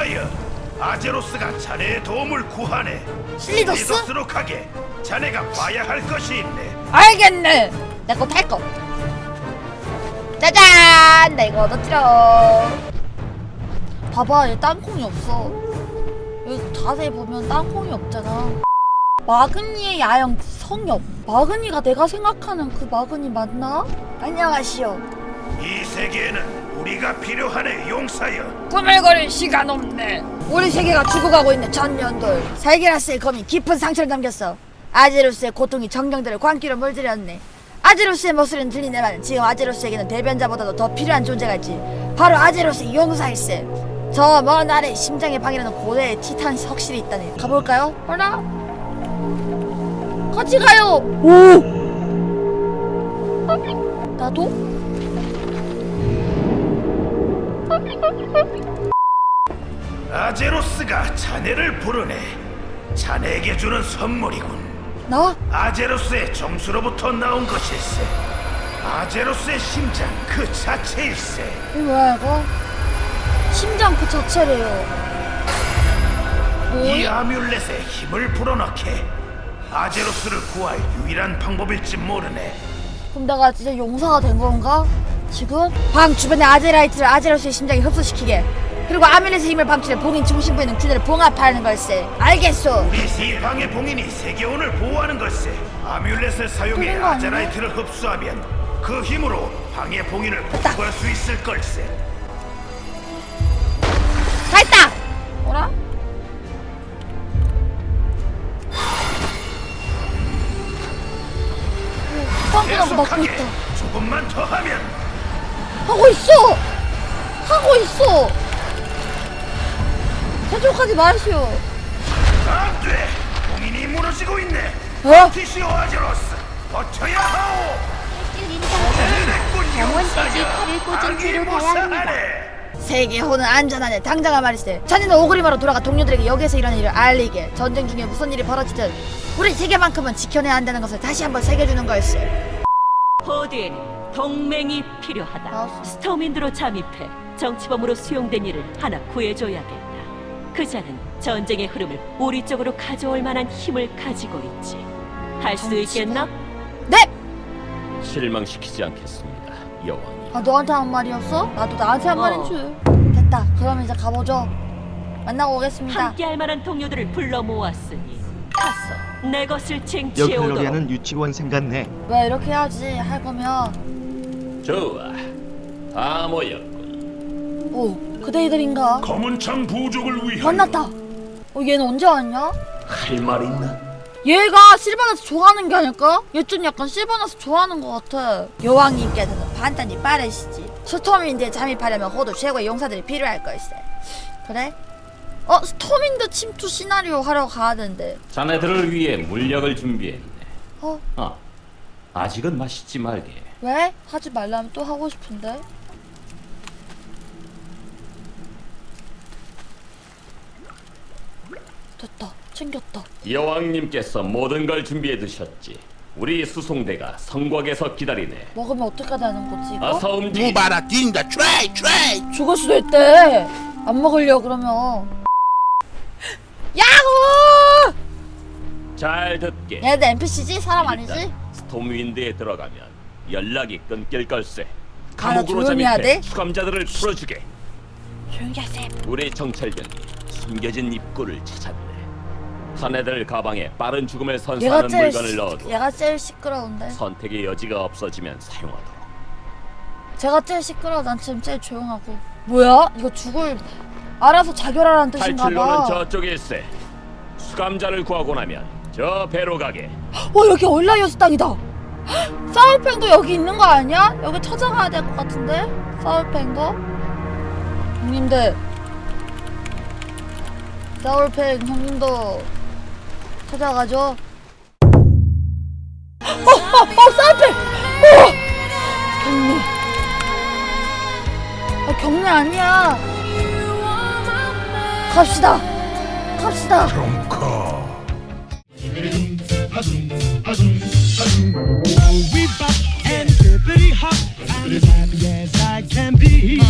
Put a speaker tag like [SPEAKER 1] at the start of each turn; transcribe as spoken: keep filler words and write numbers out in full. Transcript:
[SPEAKER 1] 용사여, 아제로스가 자네의 도움을 구하네.
[SPEAKER 2] 실리더스?
[SPEAKER 1] 실리더스로 가게. 자네가 봐야 할 것이 있네.
[SPEAKER 2] 알겠네. 내거 탈 거. 짜잔! 나 이거 얻었지롱. 봐봐, 얘 땅콩이 없어. 여기 자세히 보면 땅콩이 없잖아. 마그니의 야영 성역. 마그니가 내가 생각하는 그 마그니 맞나? 안녕하시오.
[SPEAKER 1] 이 세계에는 우리가 필요하네, 용사여.
[SPEAKER 2] 꾸물거릴 시간 없네. 우리 세계가 죽어가고 있는 전년돌. 살게라스의 검이 깊은 상처를 남겼어. 아제로스의 고통이 정령들을 광기로 물들였네. 아제로스의 목소리는 들리네만 지금 아제로스에게는 대변자보다도 더 필요한 존재가 있지. 바로 아제로스의 용사일세. 저 먼 아래 심장의 방이라는 고대의 티탄 석실이 있다네. 가볼까요? 어라? 같이 가요. 오! 나도?
[SPEAKER 1] 아제로스가 자네를 부르네. 자네에게 주는 선물이군.
[SPEAKER 2] 나?
[SPEAKER 1] 아제로스의 정수로부터 나온 것일세. 아제로스의 심장 그 자체일세.
[SPEAKER 2] 이거 뭐야 이거? 심장 그 자체래요.
[SPEAKER 1] 이
[SPEAKER 2] 뭐?
[SPEAKER 1] 아뮬렛에 힘을 불어넣게. 아제로스를 구할 유일한 방법일지 모르네.
[SPEAKER 2] 그럼 내가 진짜 용사가 된 건가? 지금? 방 주변의 아제라이트를 아제로스의 심장에 흡수시키게. 그리고 아뮬렛의 힘을 방출해 봉인 중심부에 있는 균열을 봉합하는 걸세. 알겠소.
[SPEAKER 1] 우리 이 방의 봉인이 세계원을 보호하는 걸세. 아뮬렛을 사용해
[SPEAKER 2] 그런 거 아니야?
[SPEAKER 1] 아제라이트를 흡수하면 그 힘으로 방의 봉인을 복구할 수 있을 걸세.
[SPEAKER 2] 다 했다! 뭐라? 빵꾸나고 막고
[SPEAKER 1] 계속하게
[SPEAKER 2] 있다.
[SPEAKER 1] 조금만 더 하면.
[SPEAKER 2] 하고 있어! 하고 있어! 저쪽까지 마시오.
[SPEAKER 1] 안돼! 봉인이 무너지고 있네.
[SPEAKER 2] 어?
[SPEAKER 1] 티시오 아제로스 버텨야 하오.
[SPEAKER 3] 병원까지 팔을 꽂은 채로 가야 합니다.
[SPEAKER 2] 세계호는 안전하네. 당장아 말이세. 자네는 오그리마로 돌아가 동료들에게 여기에서 일어난 일을 알리게. 전쟁 중에 무슨 일이 벌어지든 우리 세계만큼은 지켜내야 한다는 것을 다시 한번 새겨주는 거였어.
[SPEAKER 4] 호드에는 동맹이 필요하다.
[SPEAKER 2] 아.
[SPEAKER 4] 스톰인드로 잠입해 정치범으로 수용된 이를 하나 구해줘야겠다. 그자는 전쟁의 흐름을 우리 쪽으로 가져올 만한 힘을 가지고 있지. 할 수
[SPEAKER 2] 정치범?
[SPEAKER 4] 있겠나?
[SPEAKER 2] 네!
[SPEAKER 5] 실망시키지 않겠습니다, 여왕이.
[SPEAKER 2] 아 너한테 한 말이었어? 나도 나한테 한
[SPEAKER 4] 어.
[SPEAKER 2] 말인 줄. 됐다. 그럼 이제 가보죠. 만나고 오겠습니다.
[SPEAKER 4] 함께할 만한 동료들을 불러 모았으니 가서 내 것을 쟁취해 오도록.
[SPEAKER 6] 여클로리아는 유치원생 같네.
[SPEAKER 2] 왜 이렇게 해야지 할 거면.
[SPEAKER 5] 좋아, 다 모였군.
[SPEAKER 2] 오 그대들인가?
[SPEAKER 1] 검은창 부족을 위하여.
[SPEAKER 2] 만났다. 어 얘는 언제 왔냐?
[SPEAKER 1] 할 말 있나?
[SPEAKER 2] 얘가 실바나스 좋아하는 게 아닐까? 얘 좀 약간 실바나스 좋아하는 것 같아. 여왕님께서는 판단이 빠르시지. 스톰윈드에 잠입하려면 호도 최고의 용사들이 필요할 걸세. 그래? 어? 스톰윈드 침투 시나리오 하러 가야 되는데.
[SPEAKER 5] 자네들을 위해 물약을 준비했네.
[SPEAKER 2] 어?
[SPEAKER 5] 아, 아직은 마시지 말게.
[SPEAKER 2] 왜? 하지 말라면 또 하고 싶은데. 됐다. 챙겼다.
[SPEAKER 5] 여왕님께서 모든 걸 준비해 두셨지. 우리 수송대가 성곽에서 기다리네.
[SPEAKER 2] 먹으면 어떻게 되는 거지 이거?
[SPEAKER 5] 어서 움직이.
[SPEAKER 7] 무바라 뛴다 트레이 트레이.
[SPEAKER 2] 죽을 수도 있대. 안 먹으려 그러면. 야호!
[SPEAKER 5] 잘 듣게.
[SPEAKER 2] 얘네들 엔피씨지? 사람 아니지?
[SPEAKER 5] 일단 스톰윈드에 들어가면 연락이 끊길 걸세.
[SPEAKER 2] 아, 나
[SPEAKER 5] 감옥으로
[SPEAKER 2] 조용히 해야
[SPEAKER 5] 잠입해
[SPEAKER 2] 돼?
[SPEAKER 5] 수감자들을 풀어주게.
[SPEAKER 2] 조용히 하세요.
[SPEAKER 5] 우리 정찰병이 숨겨진 입구를 찾았네. 자네들 가방에 빠른 죽음을
[SPEAKER 2] 얘가
[SPEAKER 5] 선사하는
[SPEAKER 2] 제일
[SPEAKER 5] 물건을
[SPEAKER 2] 시,
[SPEAKER 5] 넣어도
[SPEAKER 2] 얘가 제일 시끄러운데.
[SPEAKER 5] 선택의 여지가 없어지면 사용하도록.
[SPEAKER 2] 제가 제일 시끄러워. 난 지금 제일 조용하고. 뭐야? 이거 죽을 알아서 자결하라는 뜻인가
[SPEAKER 5] 탈출로는
[SPEAKER 2] 봐.
[SPEAKER 5] 저쪽일세. 수감자를 구하고 나면 저 배로 가게.
[SPEAKER 2] 어 여기 얼라이어스 땅이다. 사울팽도 여기 있는 거 아니야? 여기 찾아가야 될 것 같은데? 사울팽도? 형님들 사울팽 형님도 찾아가죠. 어! 어! 어! 사울팽! 어! 경례 아 경례 아니야. 갑시다 갑시다.
[SPEAKER 8] We bop and bippity hop. I'm as happy as I can be.